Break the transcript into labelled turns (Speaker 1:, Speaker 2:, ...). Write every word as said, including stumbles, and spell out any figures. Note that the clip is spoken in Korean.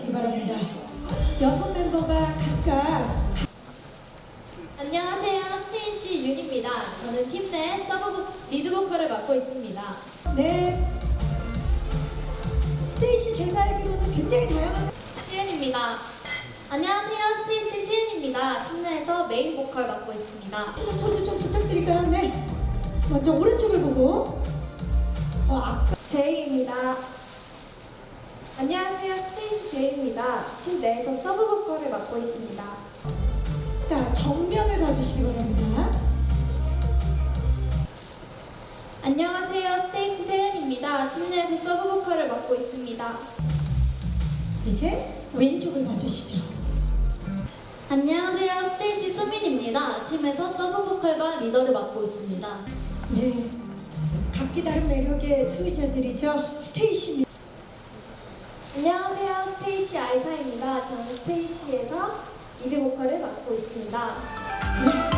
Speaker 1: 주시기 바랍니다. 여섯 멤버가 각각.
Speaker 2: 안녕하세요, 스테이시 윤입니다. 저는 팀 내 서브 리드 보컬을 맡고 있습니다.
Speaker 1: 네. 스테이시 제가 알기로는 굉장히 다양한.
Speaker 2: 시은입니다. 안녕하세요, 스테이시 시은입니다. 팀 내에서 메인 보컬 맡고 있습니다.
Speaker 1: 포즈 좀 부탁드릴까요? 네. 먼저 오른쪽을 보고. 어, 아,
Speaker 3: 제이입니다. 안녕하세요, 스테이시 제이입니다. 팀 내에서 서브 보컬을 맡고 있습니다.
Speaker 1: 자, 정면을 봐주시기 바랍니다.
Speaker 3: 안녕하세요, 스테이시 세은입니다. 팀 내에서 서브 보컬을 맡고 있습니다.
Speaker 1: 이제 왼쪽을 봐주시죠.
Speaker 2: 안녕하세요, 스테이시 수민입니다. 팀에서 서브 보컬과 리더를 맡고 있습니다.
Speaker 1: 네. 각기 다른 매력의 소유자들이죠. 스테이시.
Speaker 3: 안녕하세요, 스테이시 아이사입니다. 저는 스테이시에서 리드 보컬을 맡고 있습니다.
Speaker 1: 네.